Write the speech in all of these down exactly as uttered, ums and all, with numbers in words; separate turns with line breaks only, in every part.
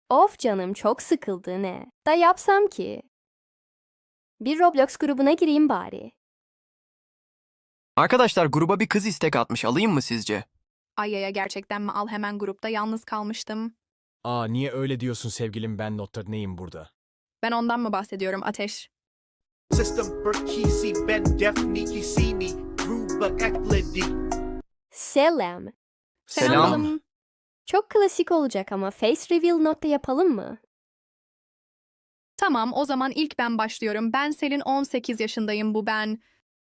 Of canım çok sıkıldı ne? Da yapsam ki? Bir Roblox grubuna gireyim bari.
Arkadaşlar gruba bir kız istek atmış. Alayım mı sizce?
Ayaya gerçekten mi al hemen grupta yalnız kalmıştım.
Aa niye öyle diyorsun sevgilim ben Notre neyim burada?
Ben ondan mı bahsediyorum Ateş?
System Berkisi Ben Defniki Sini Gruba Ekledi.
Selam.
Selam.
balım.
Çok klasik olacak ama face reveal notta yapalım mı?
Tamam o zaman ilk ben başlıyorum. Ben Selin on sekiz yaşındayım bu ben.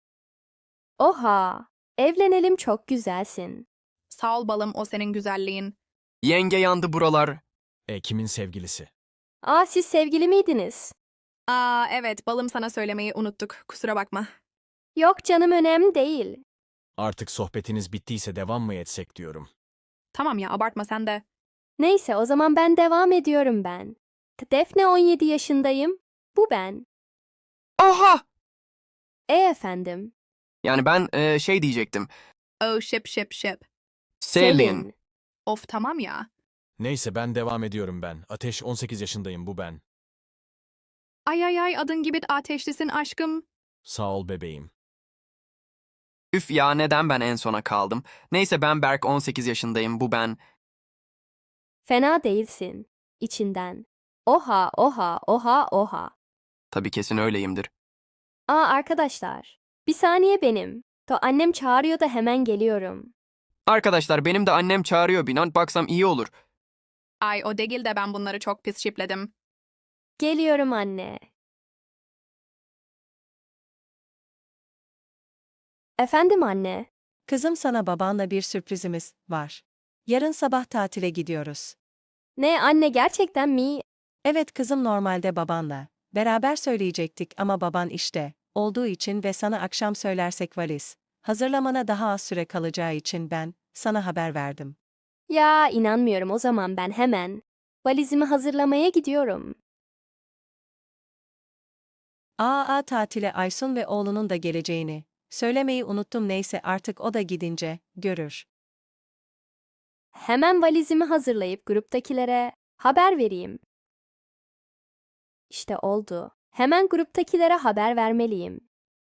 Oha! Evlenelim çok güzelsin.
Sağ ol balım o senin güzelliğin.
Yenge yandı buralar.
E kimin sevgilisi?
Aa siz sevgili miydiniz?
Aa evet balım sana söylemeyi unuttuk kusura bakma.
Yok canım önemli değil.
Artık sohbetiniz bittiyse devam mı etsek diyorum.
Tamam ya abartma sen de.
Neyse o zaman ben devam ediyorum ben. Defne on yedi yaşındayım. Bu ben.
Oha!
E efendim.
Yani ben e, şey diyecektim.
Oh şıp şıp şıp.
Selin.
Of tamam ya.
Neyse ben devam ediyorum ben. Ateş on sekiz yaşındayım bu ben.
Ay ay ay adın gibi ateşlisin aşkım.
Sağ ol bebeğim.
Üf ya neden ben en sona kaldım? Neyse ben Berk on sekiz yaşındayım. Bu ben.
Fena değilsin. İçinden. Oha oha oha oha.
Tabii kesin öyleyimdir.
Aa arkadaşlar. Bir saniye benim. To annem çağırıyor da hemen geliyorum.
Arkadaşlar benim de annem çağırıyor. Binan baksam iyi olur.
Ay o değil de ben bunları çok pis şipledim.
Geliyorum anne. Efendim anne.
Kızım sana babanla bir sürprizimiz var. Yarın sabah tatile gidiyoruz.
Ne anne gerçekten mi?
Evet kızım normalde babanla. Beraber söyleyecektik ama baban işte olduğu için ve sana akşam söylersek valiz. Hazırlamana daha az süre kalacağı için ben sana haber verdim.
Ya inanmıyorum o zaman ben hemen. Valizimi hazırlamaya gidiyorum.
Aa tatile Aysun ve oğlunun da geleceğini. Söylemeyi unuttum neyse artık o da gidince görür.
Hemen valizimi hazırlayıp gruptakilere haber vereyim. İşte oldu. Hemen gruptakilere haber vermeliyim.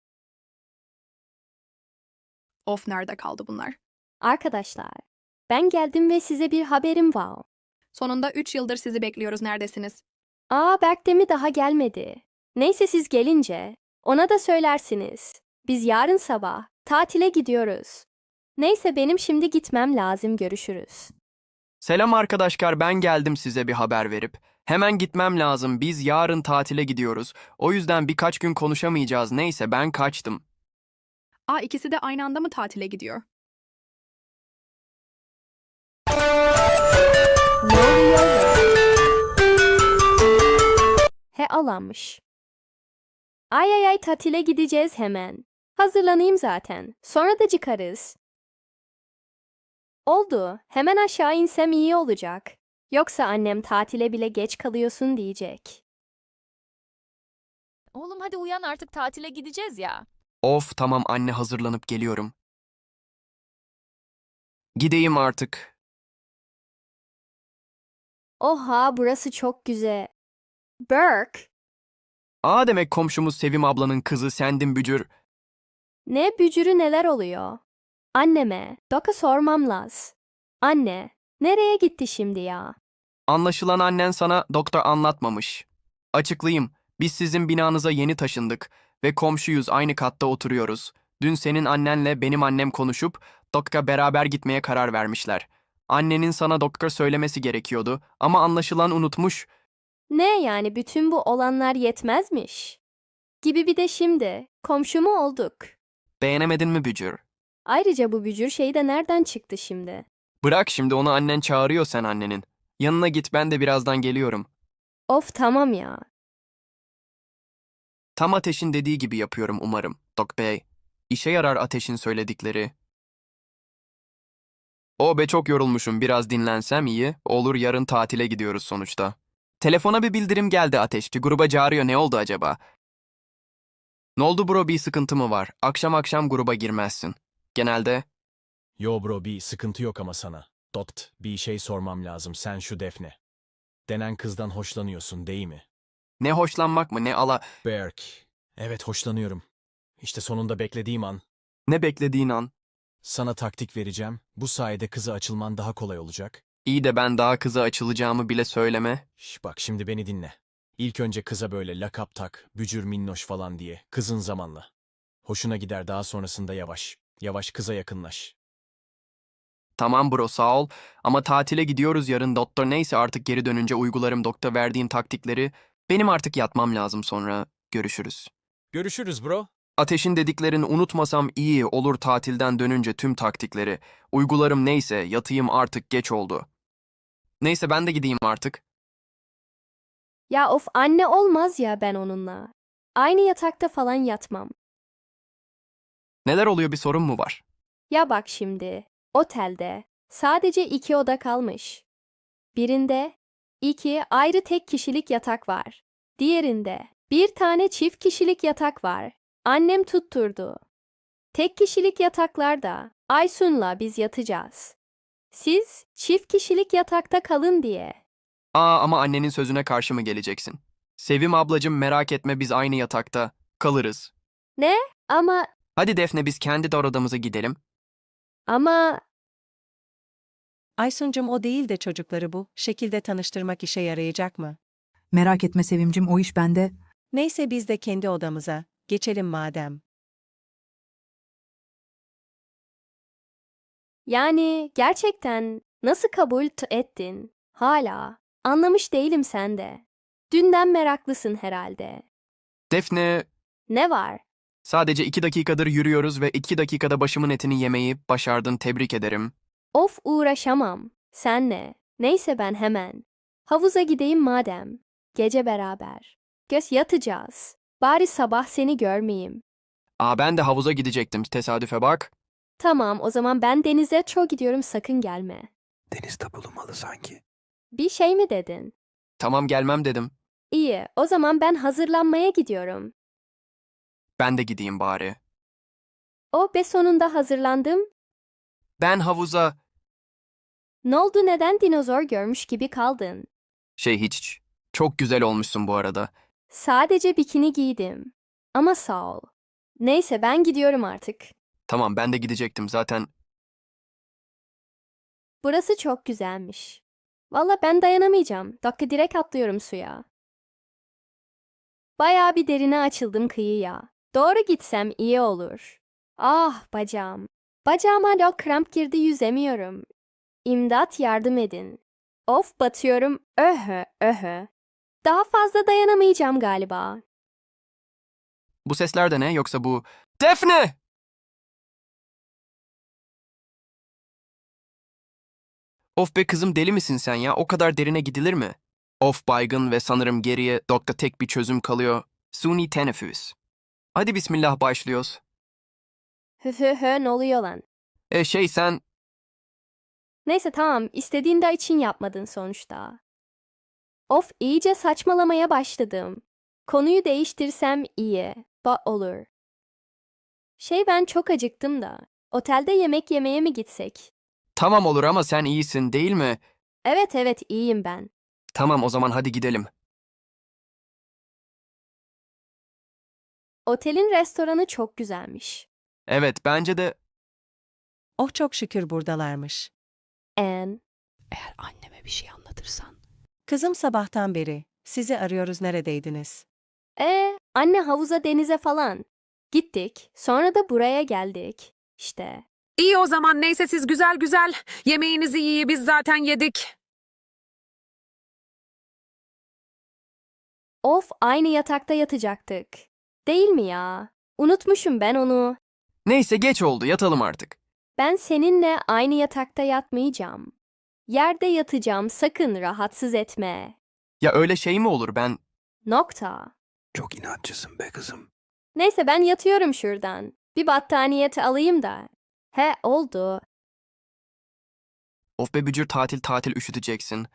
Of nerede kaldı bunlar?
Arkadaşlar, ben geldim ve size bir haberim var.
Sonunda üç yıldır sizi bekliyoruz neredesiniz?
Aa Berk de mi daha gelmedi? Neyse siz gelince ona da söylersiniz. Biz yarın sabah tatile gidiyoruz. Neyse benim şimdi gitmem lazım görüşürüz.
Selam arkadaşlar ben geldim size bir haber verip. Hemen gitmem lazım. Biz yarın tatile gidiyoruz. O yüzden birkaç gün konuşamayacağız. Neyse ben kaçtım.
Aa ikisi de aynı anda mı tatile gidiyor?
Ne oluyor ya? He alanmış. Ay ay ay tatile gideceğiz hemen. Hazırlanayım zaten. Sonra da çıkarız. Oldu. Hemen aşağı insem iyi olacak. Yoksa annem tatile bile geç kalıyorsun diyecek.
Oğlum hadi uyan artık tatile gideceğiz ya.
Of tamam anne hazırlanıp geliyorum. Gideyim artık.
Oha burası çok güzel. Burke.
Aa demek komşumuz Sevim ablanın kızı sendin bücür.
Ne bücürü neler oluyor? Anneme, Doka sormam laz. Anne, nereye gitti şimdi ya?
Anlaşılan annen sana doktor anlatmamış. Açıklayayım. Biz sizin binanıza yeni taşındık ve komşuyuz aynı katta oturuyoruz. Dün senin annenle benim annem konuşup doktora beraber gitmeye karar vermişler. Annenin sana doktor söylemesi gerekiyordu ama anlaşılan unutmuş.
Ne yani bütün bu olanlar yetmezmiş? Gibi bir de şimdi komşu mu olduk?
Beğenemedin mi bücür?
Ayrıca bu bücür şey de nereden çıktı şimdi?
Bırak şimdi onu annen çağırıyor sen annenin. Yanına git ben de birazdan geliyorum.
Of tamam ya.
Tam Ateş'in dediği gibi yapıyorum umarım, Dok Bey. İşe yarar Ateş'in söyledikleri. O be çok yorulmuşum biraz dinlensem iyi. Olur yarın tatile gidiyoruz sonuçta. Telefona bir bildirim geldi Ateşçi. Gruba çağırıyor ne oldu acaba? Ne oldu bro bir sıkıntı mı var? Akşam akşam gruba girmezsin. Genelde
Yo bro bir sıkıntı yok ama sana. Dokt bir şey sormam lazım sen şu Defne. Denen kızdan hoşlanıyorsun değil mi?
Ne hoşlanmak mı ne ala...
Berk. Evet hoşlanıyorum. İşte sonunda beklediğim an.
Ne beklediğin an.
Sana taktik vereceğim. Bu sayede kıza açılman daha kolay olacak.
İyi de ben daha kıza açılacağımı bile söyleme.
Şş, bak şimdi beni dinle. İlk önce kıza böyle lakap tak, bücür minnoş falan diye, kızın zamanla. Hoşuna gider, daha sonrasında yavaş, yavaş kıza yakınlaş.
Tamam bro sağ ol ama tatile gidiyoruz yarın doktor neyse artık geri dönünce uygularım doktor verdiğin taktikleri. Benim artık yatmam lazım sonra görüşürüz.
Görüşürüz bro.
Ateşin dediklerini unutmasam iyi olur tatilden dönünce tüm taktikleri. Uygularım neyse yatayım artık geç oldu. Neyse ben de gideyim artık.
Ya of anne olmaz ya ben onunla. Aynı yatakta falan yatmam.
Neler oluyor bir sorun mu var?
Ya bak şimdi, otelde sadece iki oda kalmış. Birinde iki ayrı tek kişilik yatak var. Diğerinde bir tane çift kişilik yatak var. Annem tutturdu. Tek kişilik yataklarda Aysun'la biz yatacağız. Siz çift kişilik yatakta kalın diye.
Aa ama annenin sözüne karşı mı geleceksin? Sevim ablacım merak etme biz aynı yatakta kalırız.
Ama
Hadi Defne biz kendi de odamıza gidelim.
ama
Aysuncum o değil de çocukları bu şekilde tanıştırmak işe yarayacak mı?
Merak etme Sevimcim, o iş bende.
Neyse biz de kendi odamıza geçelim madem.
yani gerçekten nasıl kabul t- ettin? Hala anlamış değilim sen de. Dünden meraklısın herhalde.
Defne
Ne var?
sadece iki dakikadır yürüyoruz ve iki dakikada başımın etini yemeyi başardın tebrik ederim.
Of uğraşamam. Senle. Neyse ben hemen. Havuza gideyim madem. Gece beraber. Göz yatacağız. Bari sabah seni görmeyeyim.
Aa ben de havuza gidecektim tesadüfe bak.
Tamam o zaman ben denize çok gidiyorum sakın gelme.
Denizde bulunmalı sanki.
Bir şey mi dedin?
Tamam gelmem dedim.
İyi o zaman ben hazırlanmaya gidiyorum.
Ben de gideyim bari.
O be sonunda hazırlandım.
Ben havuza...
Ne oldu neden dinozor görmüş gibi kaldın?
Şey hiç. Çok güzel olmuşsun bu arada.
Sadece bikini giydim. Ama sağ ol. Neyse ben gidiyorum artık.
Tamam ben de gidecektim zaten.
Burası çok güzelmiş. Valla ben dayanamayacağım. Dakika direkt atlıyorum suya. Bayağı bir derine açıldım kıyıya. Doğru gitsem iyi olur. Ah bacağım. Bacağıma da kramp girdi yüzemiyorum. İmdat yardım edin. Of batıyorum. Öhö öhö. Daha fazla dayanamayacağım galiba.
Bu sesler de ne yoksa bu... Defne! Of be kızım deli misin sen ya? O kadar derine gidilir mi? Of baygın ve sanırım geriye dokta tek bir çözüm kalıyor. Suni teneffüs. Hadi bismillah başlıyoruz.
Hö hö hö ne oluyor lan?
E şey sen...
Neyse tamam istediğin de için yapmadın sonuçta. Of iyice saçmalamaya başladım. Konuyu değiştirsem iyi. Ba olur. Şey ben çok acıktım da. Otelde yemek yemeye mi gitsek?
Tamam olur ama sen iyisin değil mi?
Evet evet iyiyim ben.
Tamam o zaman hadi gidelim.
Otelin restoranı çok güzelmiş.
Evet bence de...
Oh çok şükür buradalarmış.
En.
Eğer anneme bir şey anlatırsan.
Kızım sabahtan beri sizi arıyoruz neredeydiniz?
E anne havuza denize falan. Gittik. Sonra da buraya geldik. İşte.
İyi o zaman neyse siz güzel güzel. Yemeğinizi iyi biz zaten yedik.
Of aynı yatakta yatacaktık. Değil mi ya? Unutmuşum ben onu.
Neyse geç oldu yatalım artık.
Ben seninle aynı yatakta yatmayacağım. Yerde yatacağım sakın rahatsız etme.
Ya öyle şey mi olur ben...
Nokta.
Çok inatçısın be kızım.
Neyse ben yatıyorum şuradan. Bir battaniyeti alayım da. He oldu.
Of be bücür tatil tatil üşüteceksin.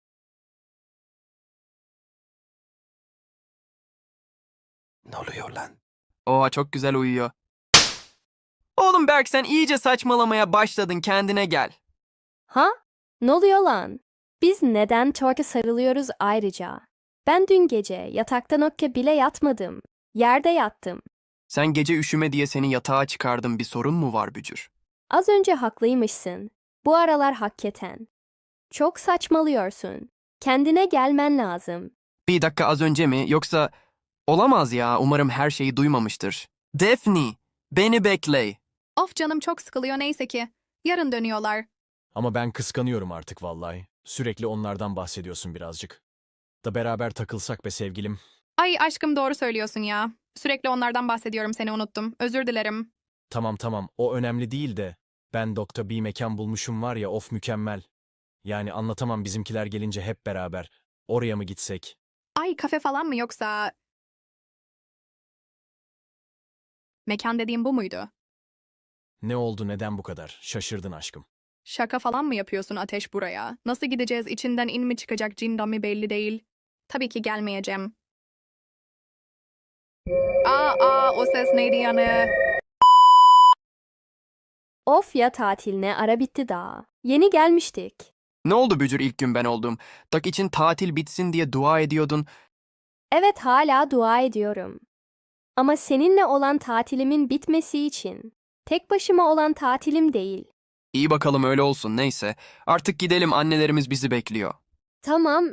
Ne oluyor lan?
Oha çok güzel uyuyor. Oğlum Berk sen iyice saçmalamaya başladın kendine gel.
Ha? Ne oluyor lan? Biz neden torka sarılıyoruz ayrıca? Ben dün gece yatakta nokke bile yatmadım. Yerde yattım.
Sen gece üşüme diye seni yatağa çıkardım, bir sorun mu var Bücür?
Az önce haklıymışsın. Bu aralar hakikaten. Çok saçmalıyorsun. Kendine gelmen lazım.
Bir dakika, az önce mi, yoksa... Olamaz ya, umarım her şeyi duymamıştır. Daphne, beni bekle.
Of canım çok sıkılıyor neyse ki. Yarın dönüyorlar.
Ama ben kıskanıyorum artık vallahi. Sürekli onlardan bahsediyorsun birazcık. Da beraber takılsak be sevgilim.
Ay aşkım doğru söylüyorsun ya. Sürekli onlardan bahsediyorum seni unuttum. Özür dilerim.
Tamam tamam, o önemli değil de. Ben doktor bir mekan bulmuşum var ya, of mükemmel. Yani anlatamam, bizimkiler gelince hep beraber. Oraya mı gitsek?
Ay kafe falan mı yoksa... Mekan dediğim bu muydu?
Ne oldu, neden bu kadar? Şaşırdın aşkım.
Şaka falan mı yapıyorsun Ateş buraya? Nasıl gideceğiz, içinden in mi çıkacak cindan mi belli değil. Tabii ki gelmeyeceğim. Aa aa o ses neydi yani?
Of ya, tatiline ara bitti daha. Yeni gelmiştik.
Ne oldu Bücür, ilk gün ben oldum. Tak için tatil bitsin diye dua ediyordun.
Evet, hala dua ediyorum. Ama seninle olan tatilimin bitmesi için. Tek başıma olan tatilim değil.
İyi bakalım, öyle olsun, neyse. Artık gidelim, annelerimiz bizi bekliyor.
Tamam.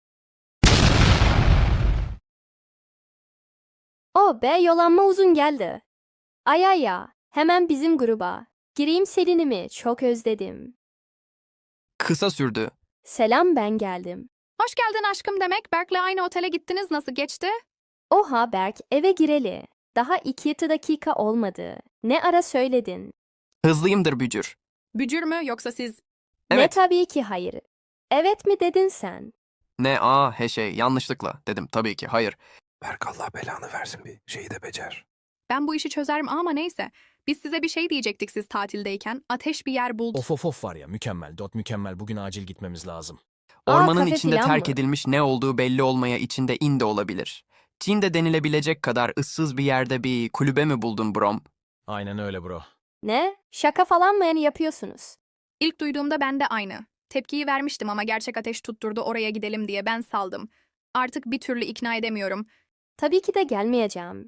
O be, yolanma uzun geldi. Ay ay ya, hemen bizim gruba. Gireyim Selin'imi, çok özledim.
Kısa sürdü.
Selam, ben geldim.
Hoş geldin aşkım demek. Berk'le aynı otele gittiniz, nasıl geçti?
Oha Berk, eve gireli. Daha iki dakika olmadı. Ne ara söyledin?
Hızlıyımdır Bücür.
Bücür mü yoksa siz?
Ne,
Evet.
tabii ki hayır. Evet mi dedin sen?
Ne a he şey, yanlışlıkla dedim tabii ki hayır.
Berk Allah belanı versin, bir şeyi de becer.
Ben bu işi çözerim ama neyse. Biz size bir şey diyecektik siz tatildeyken. Ateş bir yer buldu.
Of of of var ya, mükemmel. Dot mükemmel. Bugün acil gitmemiz lazım.
Aa,
Ormanın
kafe
içinde
filan
terk
mı?
edilmiş, ne olduğu belli olmaya içinde in de olabilir. Çin de denilebilecek kadar ıssız bir yerde bir kulübe mi buldun Brom?
Aynen öyle bro.
Ne? Şaka falan mı yani yapıyorsunuz?
İlk duyduğumda ben de aynı. Tepkiyi vermiştim ama gerçek Ateş tutturdu oraya gidelim diye, ben saldım. Artık bir türlü ikna edemiyorum.
Tabii ki de gelmeyeceğim.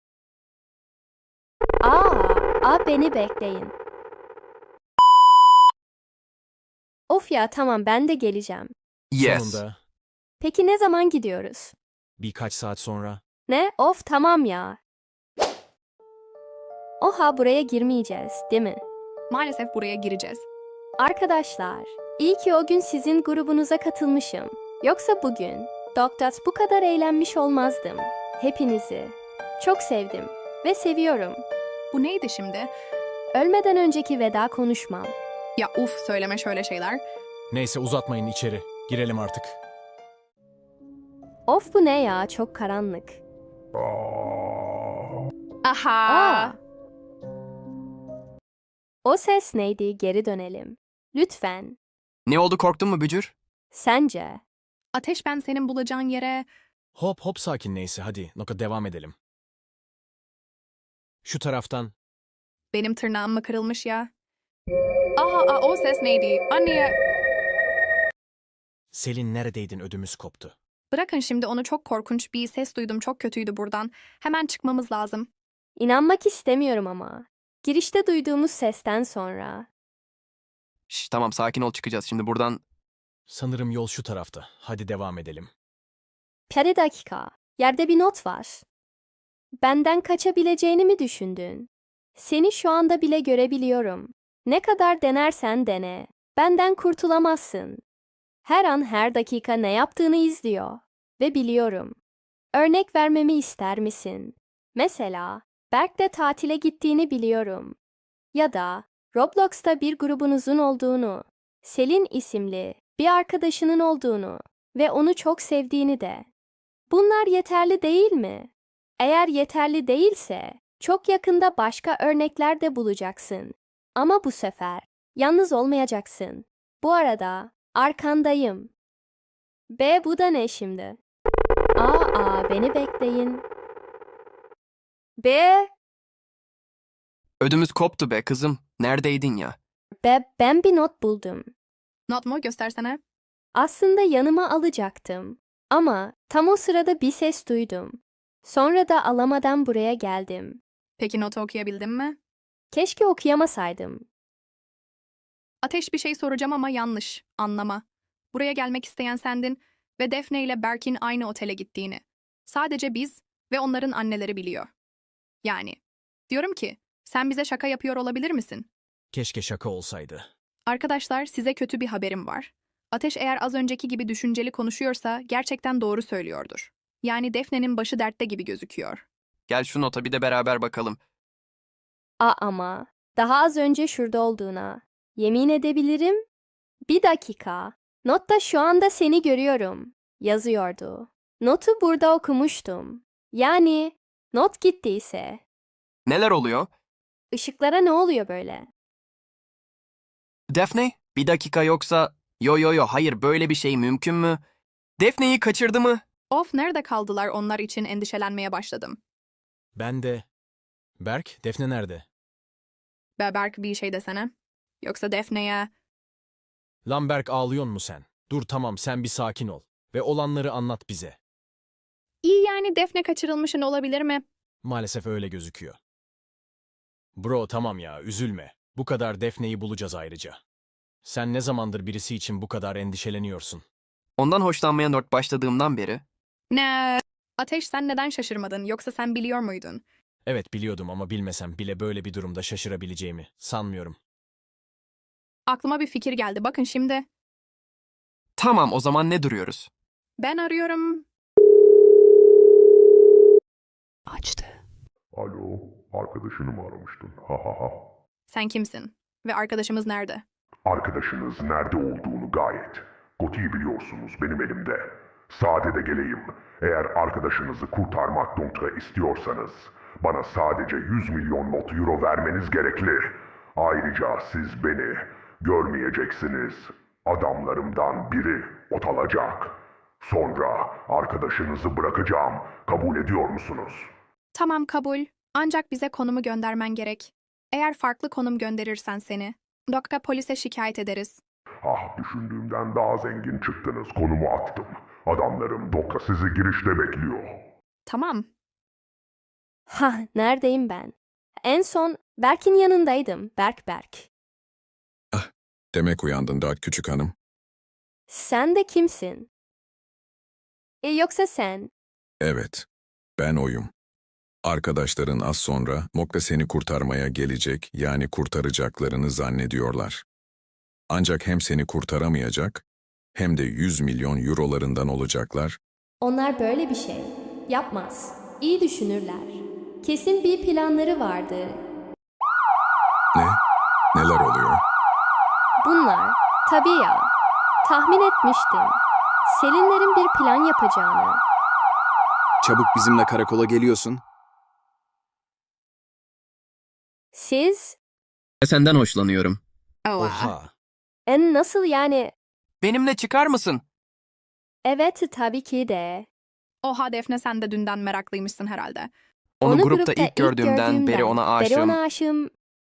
Aa, aa beni bekleyin. Of ya, tamam, ben de geleceğim.
Yes.
Sonunda
Peki ne zaman gidiyoruz?
birkaç saat sonra.
Ne? Of tamam ya. Oha, buraya girmeyeceğiz, değil mi?
Maalesef buraya gireceğiz.
Arkadaşlar, iyi ki o gün sizin grubunuza katılmışım. Yoksa bugün Doktat bu kadar eğlenmiş olmazdım. Hepinizi çok sevdim ve seviyorum.
Bu neydi şimdi?
Ölmeden önceki veda konuşmam.
Ya uf, söyleme şöyle şeyler.
Neyse uzatmayın, içeri. Girelim artık.
Of, bu ne ya, çok karanlık.
Aha.
Aa! O ses neydi, geri dönelim. Lütfen.
Ne oldu, korktun mu Bücür?
Sence?
Ateş, ben senin bulacağın yere...
Hop hop sakin, neyse hadi. Noka devam edelim. Şu taraftan.
Benim tırnağım mı kırılmış ya? Aha, aa, o ses neydi? Anne...
Selin neredeydin, ödümüz koptu.
Bırakın şimdi onu, çok korkunç bir ses duydum, çok kötüydü buradan. Hemen çıkmamız lazım.
İnanmak istemiyorum ama. Girişte duyduğumuz sesten sonra.
Şş, tamam, sakin ol, çıkacağız şimdi buradan.
Sanırım yol şu tarafta. Hadi devam edelim.
Bir dakika. Yerde bir not var. Benden kaçabileceğini mi düşündün? Seni şu anda bile görebiliyorum. Ne kadar denersen dene. Benden kurtulamazsın. Her an her dakika ne yaptığını izliyor. Ve biliyorum. Örnek vermemi ister misin? Mesela, Berk'le tatile gittiğini biliyorum. Ya da Roblox'ta bir grubunuzun olduğunu, Selin isimli bir arkadaşının olduğunu ve onu çok sevdiğini de. Bunlar yeterli değil mi? Eğer yeterli değilse, çok yakında başka örnekler de bulacaksın. Ama bu sefer yalnız olmayacaksın. Bu arada arkandayım. B, bu da ne şimdi? Aa, aa beni bekleyin. B,
Ödümüz koptu be kızım. Neredeydin ya?
B, ben bir not buldum.
Not mu? Göstersene.
Aslında yanıma alacaktım. Ama tam o sırada bir ses duydum. Sonra da alamadan buraya geldim.
Peki notu okuyabildin mi?
Keşke okuyamasaydım.
Ateş bir şey soracağım ama yanlış. Anlama. Buraya gelmek isteyen sendin ve Defne ile Berk'in aynı otele gittiğini. Sadece biz ve onların anneleri biliyor. Yani. Diyorum ki, sen bize şaka yapıyor olabilir misin?
Keşke şaka olsaydı.
Arkadaşlar, size kötü bir haberim var. Ateş eğer az önceki gibi düşünceli konuşuyorsa gerçekten doğru söylüyordur. Yani Defne'nin başı dertte gibi gözüküyor.
Gel şu nota bir de beraber bakalım.
A ama daha az önce şurada olduğuna yemin edebilirim. Bir dakika. Notta şu anda seni görüyorum. Yazıyordu. Notu burada okumuştum. Yani not gittiyse.
Neler oluyor?
Işıklara ne oluyor böyle?
Defne, bir dakika yoksa... Yo yo yo, hayır böyle bir şey mümkün mü? Defne'yi kaçırdı mı?
Of, nerede kaldılar, onlar için endişelenmeye başladım.
Ben de... Berk, Defne nerede?
Be Berk, bir şey desene. Yoksa Defne'ye...
Lan Berk, ağlıyor mu sen? Dur tamam, sen bir sakin ol. Ve olanları anlat bize.
İyi yani Defne kaçırılmışın olabilir mi?
Maalesef öyle gözüküyor. Bro tamam ya, üzülme. Bu kadar Defne'yi bulacağız ayrıca. Sen ne zamandır birisi için bu kadar endişeleniyorsun?
Ondan hoşlanmaya not başladığımdan beri.
Ne? Ateş, sen neden şaşırmadın? Yoksa sen biliyor muydun?
Evet biliyordum ama bilmesem bile böyle bir durumda şaşırabileceğimi sanmıyorum.
Aklıma bir fikir geldi. Bakın şimdi.
Tamam, o zaman ne duruyoruz?
Ben arıyorum.
Açtı.
Alo, arkadaşını mı aramıştın? Ha ha ha.
Sen kimsin? Ve arkadaşımız nerede?
Arkadaşınız nerede olduğunu gayet. Goti'yi biliyorsunuz, benim elimde. Sade de geleyim. Eğer arkadaşınızı kurtarmak nokta istiyorsanız, bana sadece yüz milyon not euro vermeniz gerekli. Ayrıca siz beni görmeyeceksiniz. Adamlarımdan biri ot alacak. Sonra arkadaşınızı bırakacağım. Kabul ediyor musunuz?
Tamam, kabul. Ancak bize konumu göndermen gerek. Eğer farklı konum gönderirsen seni, Dokka polise şikayet ederiz.
Ah, düşündüğümden daha zengin çıktınız. Konumu attım. Adamlarım Dokka sizi girişte bekliyor.
Tamam.
Ha, neredeyim ben? En son Berk'in yanındaydım. Berk Berk.
Demek uyandın da küçük hanım.
Sen de kimsin? E, yoksa sen?
Evet, ben oyum. Arkadaşların az sonra Mokka seni kurtarmaya gelecek, yani kurtaracaklarını zannediyorlar. Ancak hem seni kurtaramayacak, hem de yüz milyon eurolarından olacaklar.
Onlar böyle bir şey yapmaz. İyi düşünürler. Kesin bir planları vardı.
Ne? Neler oluyor?
Bunlar, tabii ya. Tahmin etmiştim. Selinlerin bir plan yapacağını.
Çabuk bizimle karakola geliyorsun.
Siz?
Senden hoşlanıyorum.
Oha!
En nasıl yani?
Benimle çıkar mısın?
Evet, tabii ki de.
Oha Defne, sen de dünden meraklıymışsın herhalde.
Onu, grupta, ilk gördüğümden, beri ona aşığım.
Beri ona aşığım.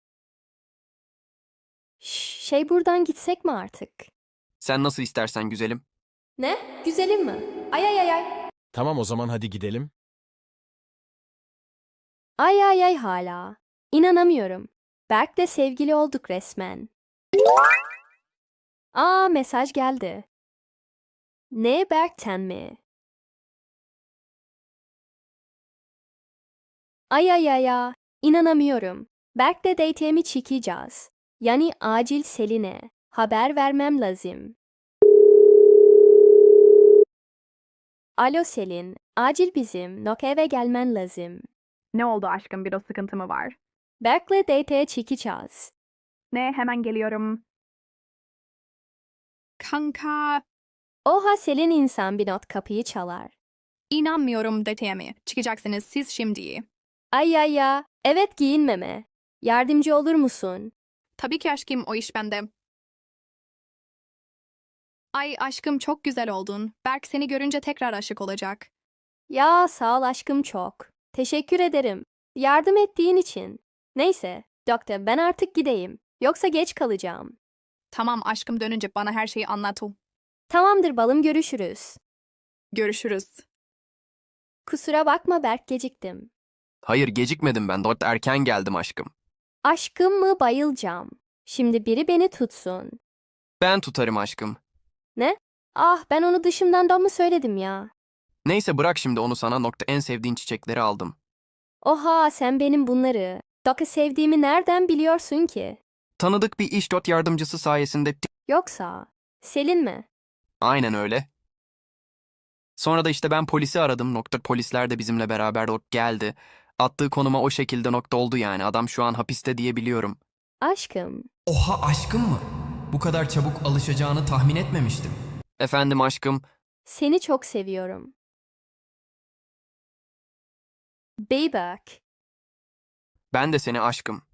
Şş, Şey buradan gitsek mi artık?
Sen nasıl istersen güzelim.
Ne? Güzelim mi? Ay ay ay ay.
Tamam o zaman hadi gidelim.
Ay ay ay hala. İnanamıyorum. Berk'le sevgili olduk resmen. Aa, mesaj geldi. Ne, Berk'ten mi? Ay ay ay ay. İnanamıyorum. Berk'le date'imi çıkacağız. Yani acil Selin'e haber vermem lazım. Alo Selin, acil bizim Nok eve gelmen lazım.
Ne oldu aşkım, bir o sıkıntı mı var?
Berk'le date'e çıkacağız.
Ne, hemen geliyorum. Kanka,
Oha, Selin insan bir not kapıyı çalar.
inanmıyorum deteme. Çıkacaksınız siz şimdi.
Ay ay ya, evet giyinmeme. Yardımcı olur musun?
Tabii ki aşkım, o iş bende. Ay aşkım, çok güzel oldun. Berk seni görünce tekrar aşık olacak.
Ya sağ ol aşkım çok. Teşekkür ederim. Yardım ettiğin için. Neyse, doktor ben artık gideyim. Yoksa geç kalacağım.
Tamam aşkım, dönünce bana her şeyi anlat.
Tamamdır balım, görüşürüz.
Görüşürüz.
Kusura bakma Berk, geciktim.
Hayır, gecikmedim ben. Doktor erken geldim aşkım.
Aşkım mı, bayılacağım. Şimdi biri beni tutsun.
Ben tutarım aşkım.
Ne? Ah, ben onu dışımdan da mı söyledim ya?
Neyse bırak şimdi onu, sana nokta en sevdiğin çiçekleri aldım.
Oha, sen benim bunları. Doka sevdiğimi nereden biliyorsun ki?
Tanıdık bir iş dot yardımcısı sayesinde.
Yoksa Selin mi?
Aynen öyle. Sonra da işte ben polisi aradım. Nokta polisler de bizimle beraber dok geldi. Attığı konuma o şekilde nokta oldu yani. Adam şu an hapiste diye biliyorum.
Aşkım,
Oha, aşkım mı? Bu kadar çabuk alışacağını tahmin etmemiştim. Efendim aşkım.
seni çok seviyorum. Bey Berk.
Ben de seni aşkım.